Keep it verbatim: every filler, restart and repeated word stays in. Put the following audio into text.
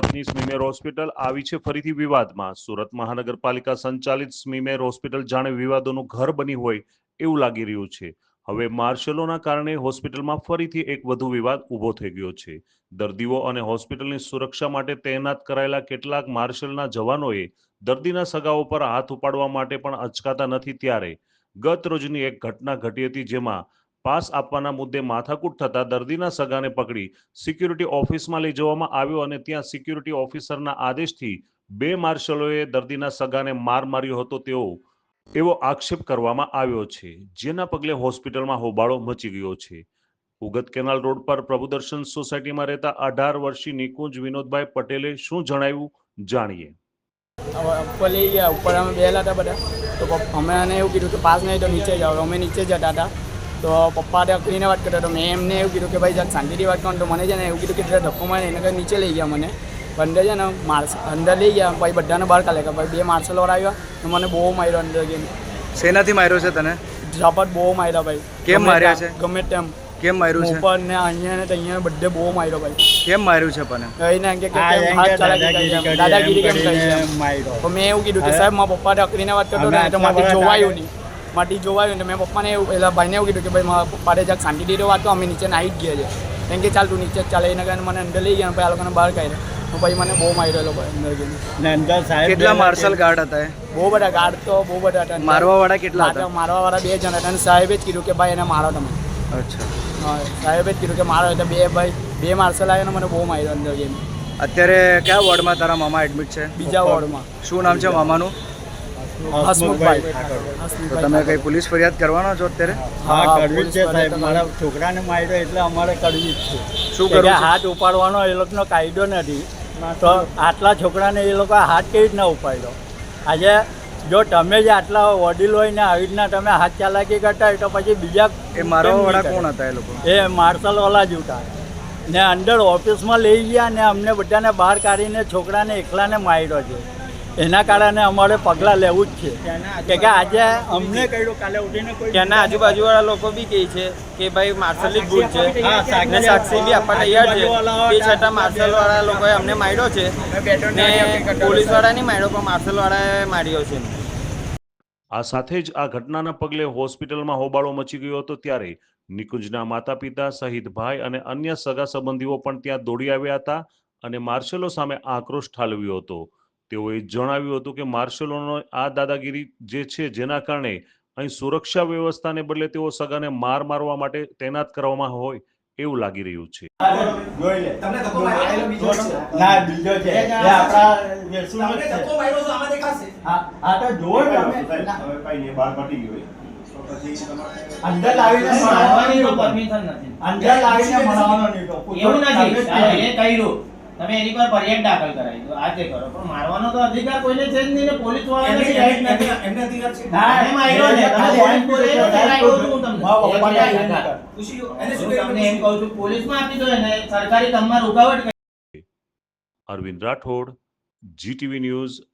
સુરતની સ્મીમેર હોસ્પિટલ આવી છે ફરીથી વિવાદમાં। સુરત મહાનગરપાલિકા સંચાલિત સ્મીમેર હોસ્પિટલ જાણે વિવાદોનું ઘર બની હોય એવું લાગી રહ્યું છે। હવે માર્શલોના કારણે હોસ્પિટલમાં ફરીથી એક વધુ વિવાદ ઊભો થઈ ગયો છે। દર્દીઓ અને હોસ્પિટલની સુરક્ષા માટે તૈનાત કરાયેલા કેટલાક માર્શલના જવાનોએ દર્દીના સગાઓ પર હાથ ઉપાડવા માટે પણ અચકાતા નથી। ત્યારે ગત રોજની એક ઘટના ઘટી હતી, જેમાં પાસ આપવાના મુદ્દે માથાકૂટ થતા દર્દીના સગાને પકડી સિક્યુરિટી ઓફિસમાં લઈ જવામાં આવ્યો અને ત્યાં સિક્યુરિટી ઓફિસરના આદેશથી બે માર્શલોએ દર્દીના સગાને માર માર્યો હતો તેવો એવો આક્ષેપ કરવામાં આવ્યો છે, જેના પગલે હોસ્પિટલમાં હોબાળો મચી ગયો છે। ઉગત કેનાલ રોડ પર પ્રભુદર્શન સોસાયટીમાં રહેતા અઢાર વર્ષીય નિકુંજ વિનોદભાઈ પટેલે શું જણાવ્યું, જાણીએ। ઉપર લઈ ગયા, ઉપર અમે બેલા હતા બધા, તો અમે એને એવું કીધું કે પાસ નહીં તો નીચે જાઓ। અમે નીચે જતા હતા તો પપ્પા અકડીને વાત કરતા, તો મેં એમને એવું કીધું કે ભાઈ જરા શાંતિથી વાત કરો। તો મને છે ને એવું કીધું કે ધક્કો મારે એને કંઈ નીચે લઈ ગયા મને, અંદર છે ને માર્સ અંદર લઈ ગયા। ભાઈ બધાને બહાર કાઢે કે ભાઈ બે માર્શલવાળા આવ્યા તો મને બહુ માર્યો અંદર ગઈને। શેનાથી માર્યો છે તને? ઝાપટ બહુ માર્યા ભાઈ। કેમ માર્યા છે? ગમે તેમ કેમ માર્યું છે? ઉપર ને અહીંયા ને અહીંયા બધે બહુ માર્યો ભાઈ। કેમ માર્યું છે પણ? કહીને કે દાદાગીરી કેમ કરી છે તો મેં એવું કીધું કે સાહેબ મારા પપ્પાને અકડીને વાત કરતો ને તો માટી જોવાયું નહીં માટી જોવાયું ને મેં પપ્પાને એવું પેલા ભાઈને એવું કીધું કે ભાઈ મારા પપ્પાને જરાક શાંતિથી વાત તો અમે નીચે નાહી જ ગયા છે। કેમ કે ચાલ તું નીચે જ ચાલે એના કારણે મને અંદર લઈ ગયા, પછી આ લોકોને બહાર કાઢ્યા। તો ભાઈ મને બહુ માર્યો લોકો અંદર ગઈને। કેટલા માર્શલ ગાર્ડ હતા? બહુ બધા ગાર્ડ તો બહુ બધા હતા। મારવા વાળા કેટલા હતા? મારવા વાળા બે જણ હતા અને સાહેબે જ કીધું કે ભાઈ એને મારો તમે। અચ્છા, હા, સાહેબે જ કીધું કે મારો એટલે બે ભાઈ બે માર્શલ આવ્યા ને મને બહુ માર્યો અંદર ગઈને। અત્યારે કયા વોર્ડમાં તારા મામા એડમિટ છે? બીજા વોર્ડમાં। શું નામ છે મામાનું? હસમુખભાઈ। તો તમે કઈ પોલીસ ફરિયાદ કરવાનો છો અત્યારે? હા, કરવી જ છે સાહેબ। મારા છોકરાને માર્યો એટલે અમારે કરવી જ છે। શું કરવું? હાથ ઉપાડવાનો એ લોકોનો કાયદો નથી, તો આટલા છોકરાને એ લોકો હાથ કેવી રીતના ઉપાડ્યો? આજે જો તમે જ આટલા વડીલ હોય ને આવી રીતના તમે હાથ ચાલાકી કરતા હોય તો પછી બીજા એ મારવા વાળા કોણ હતા? એ લોકો એ માર્શલવાળા જ હતા ને અંદર ઓફિસમાં લઈ ગયા ને અમને બધાને બહાર કાઢીને છોકરાને એકલાને માર્યો છે। એના કારણે અમારે પગલાં લેવું જ છે કે આજે અમને કહ્યું કાલે ઉઠીને કોઈ ત્યાંના આજુબાજુવાળા લોકો બી કહે છે કે ભાઈ માર્શલની ભૂલ છે ને સાક્ષી બી આપવા તૈયાર છે, તે છતાં માર્શલવાળા લોકોએ અમને માર્યો છે ને પોલીસવાળા નહીં માર્યો પણ માર્શલવાળાએ માર્યો છે। આ સાથે જ આ ઘટનાના પગલે હોસ્પિટલમાં હોબાળો મચી ગયો હતો। ત્યારે નિકુંજના માતા પિતા સહિત ભાઈ અને અન્ય સગા સંબંધીઓ પણ ત્યાં દોડી આવ્યા હતા અને માર્શલો સામે આક્રોશ ઠાલવ્યો હતો। તેઓએ જણાવ્યું હતું કે માર્શલોનો આ દાદાગીરી જે છે, જેના કારણે અહીં સુરક્ષા વ્યવસ્થાને બદલે તેઓ સગાને માર મારવા માટે તૈનાત કરવામાં હોય એવું લાગી રહ્યું છે। અંદર લાવીને ભણાવવાની તો પરમિશન નથી, અંદર લાવીને ભણાવવાનો નહીં તો એવું નથી। એ કહ્યું તમે એની પર ફરિયાદ દાખલ કરાવી દો, આજે કરો, પણ મારવાનો તો અધિકાર કોઈને છે જ નહીં ને પોલીસ વાળાને બી રાઈટ નથી। એમને અધિકાર છે ના એમ આવ્યો છે તમે પોઈન્ટ પર એ કરાવ્યો છું હું તમને એને શું તમને એમ કહું છું પોલીસમાં આપી દો એને સરકારી કામમાં રૂકાવટ કરી। Arvind Rathod, GTV news,